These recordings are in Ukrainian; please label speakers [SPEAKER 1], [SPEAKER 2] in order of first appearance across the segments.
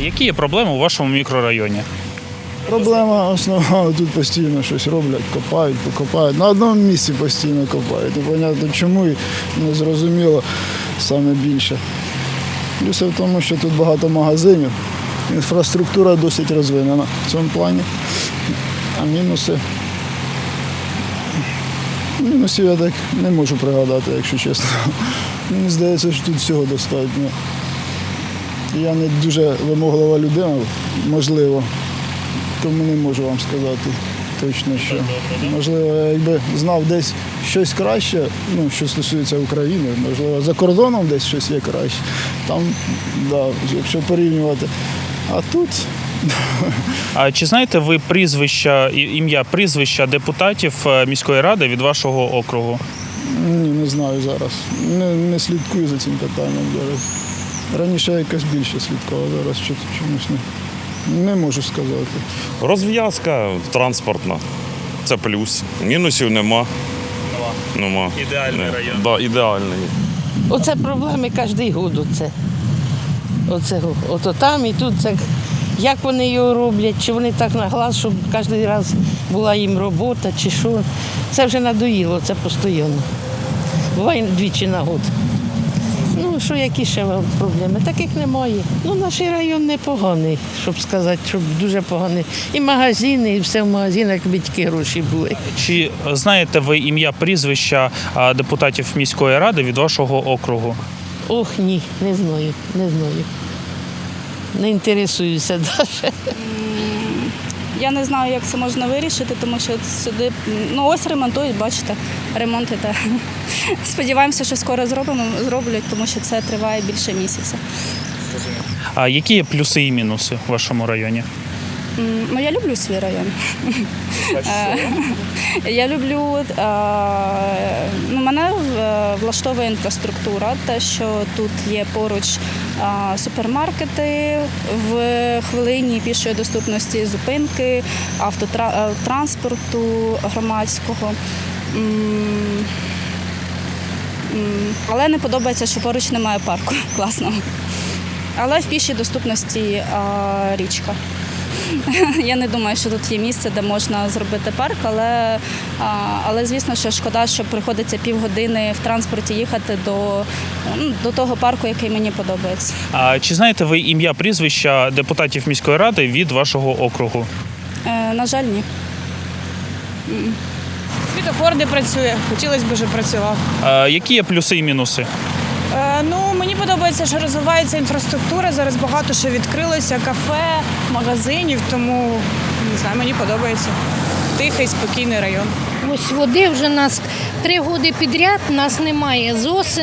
[SPEAKER 1] Які є проблеми у вашому мікрорайоні?
[SPEAKER 2] Проблема основна, тут постійно щось роблять, копають, покопають. На одному місці постійно копають. Непонятно чому і не зрозуміло саме більше. Плюс в тому, що тут багато магазинів, інфраструктура досить розвинена в цьому плані. А мінусів я так не можу пригадати, якщо чесно. Мені здається, що тут всього достатньо. Я не дуже вимоглива людина, можливо. Тому не можу вам сказати точно, що можливо, я якби знав десь щось краще, що стосується України, можливо, за кордоном десь щось є краще. Там, да, якщо порівнювати. А тут.
[SPEAKER 1] А чи знаєте ви ім'я, прізвища депутатів міської ради від вашого округу?
[SPEAKER 2] Ні, не знаю зараз. Не слідкую за цим питанням зараз. Раніше я якось більше слідкував, зараз чомусь не можу сказати.
[SPEAKER 3] Розв'язка транспортна. Це плюс. Мінусів нема.
[SPEAKER 1] Ідеальний район.
[SPEAKER 3] Да, ідеальний.
[SPEAKER 4] Оце проблеми кожен рік. Ото там і тут. Це, як вони його роблять, чи вони так на глаз, щоб кожен раз була їм робота, чи що. Це вже надоїло, це постійно. Буває двічі на год. Що які ще проблеми? Таких немає. Наш район непоганий, щоб сказати, щоб дуже поганий. І магазини, і все в магазинах, якби тільки гроші були.
[SPEAKER 1] Чи знаєте ви ім'я, прізвища депутатів міської ради від вашого округу?
[SPEAKER 4] Ох, ні, не знаю. Не інтересуюся навіть.
[SPEAKER 5] Я не знаю, як це можна вирішити, тому що сюди, ось ремонтують, бачите, ремонт іде. Сподіваємося, що скоро зроблять, тому що це триває більше місяця.
[SPEAKER 1] А які є плюси і мінуси в вашому районі?
[SPEAKER 5] Я люблю свій район. Я люблю, мене влаштовує інфраструктура, те, що тут є поруч супермаркети, в хвилині пішої доступності зупинки, автотранспорту громадського. Але не подобається, що поруч немає парку класного. Але в пішій доступності річка. Я не думаю, що тут є місце, де можна зробити парк, але звісно, що шкода, що приходиться півгодини в транспорті їхати до того парку, який мені подобається.
[SPEAKER 1] А чи знаєте ви ім'я, прізвища депутатів міської ради від вашого округу?
[SPEAKER 5] На жаль, ні.
[SPEAKER 6] Світофор не працює, хотілося б, щоб працював.
[SPEAKER 1] Які є плюси і мінуси?
[SPEAKER 6] Мені подобається, що розвивається інфраструктура, зараз багато що відкрилося, кафе, магазинів, тому, не знаю, мені подобається. Тихий, спокійний район.
[SPEAKER 7] Ось води вже нас 3 роки підряд, нас немає.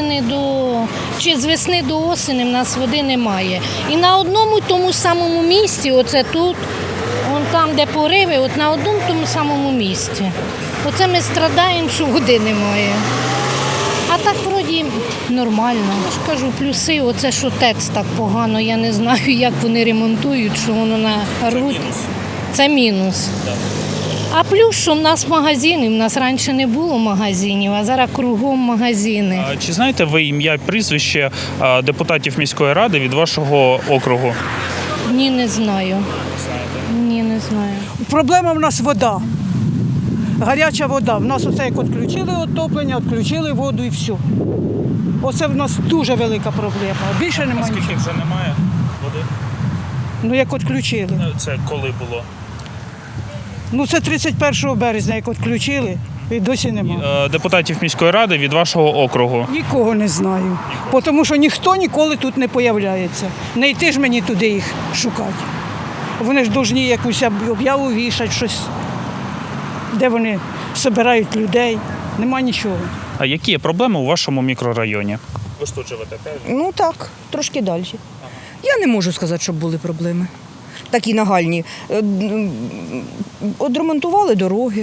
[SPEAKER 7] З весни до осені в нас води немає. І на одному тому самому місці, оце тут, там, де пориви, на одному тому самому місці. Оце ми страдаємо, що води немає. А так, вроді, нормально. Я ж кажу, плюси, оце, що ТЕЦ так погано, я не знаю, як вони ремонтують, що воно нарвуть. Це мінус. А плюс, що в нас магазини, в нас раніше не було магазинів, а зараз кругом магазини.
[SPEAKER 1] Чи знаєте ви ім'я, прізвище депутатів міської ради від вашого округу?
[SPEAKER 7] Ні, не знаю. Ні, не знаю.
[SPEAKER 8] Проблема в нас вода. Гаряча вода. В нас оце як відключили отоплення, відключили воду і все. Оце в нас дуже велика проблема. Більше немає.
[SPEAKER 1] Скільки
[SPEAKER 8] нічого.
[SPEAKER 1] вже немає води?
[SPEAKER 8] Як відключили.
[SPEAKER 1] Це коли було?
[SPEAKER 8] Це 31 березня, як відключили, і досі немає.
[SPEAKER 1] Депутатів міської ради від вашого округу?
[SPEAKER 8] Нікого не знаю. Тому що ніхто ніколи тут не з'являється. Не йти ж мені туди їх шукати. Вони ж повинні якусь об'яву вішати, щось, де вони збирають людей. Нема нічого.
[SPEAKER 1] А які є проблеми у вашому мікрорайоні? Ви ж тут живете, правильно?
[SPEAKER 9] Так, трошки далі. Я не можу сказати, щоб були проблеми. Такі нагальні. Одремонтували дороги.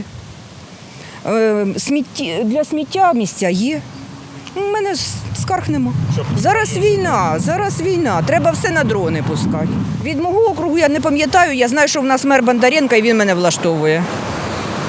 [SPEAKER 9] Для сміття місця є. У мене скарг нема. Зараз війна. Треба все на дрони пускати. Від мого округу я не пам'ятаю, я знаю, що в нас мер Бондаренко, і він мене влаштовує.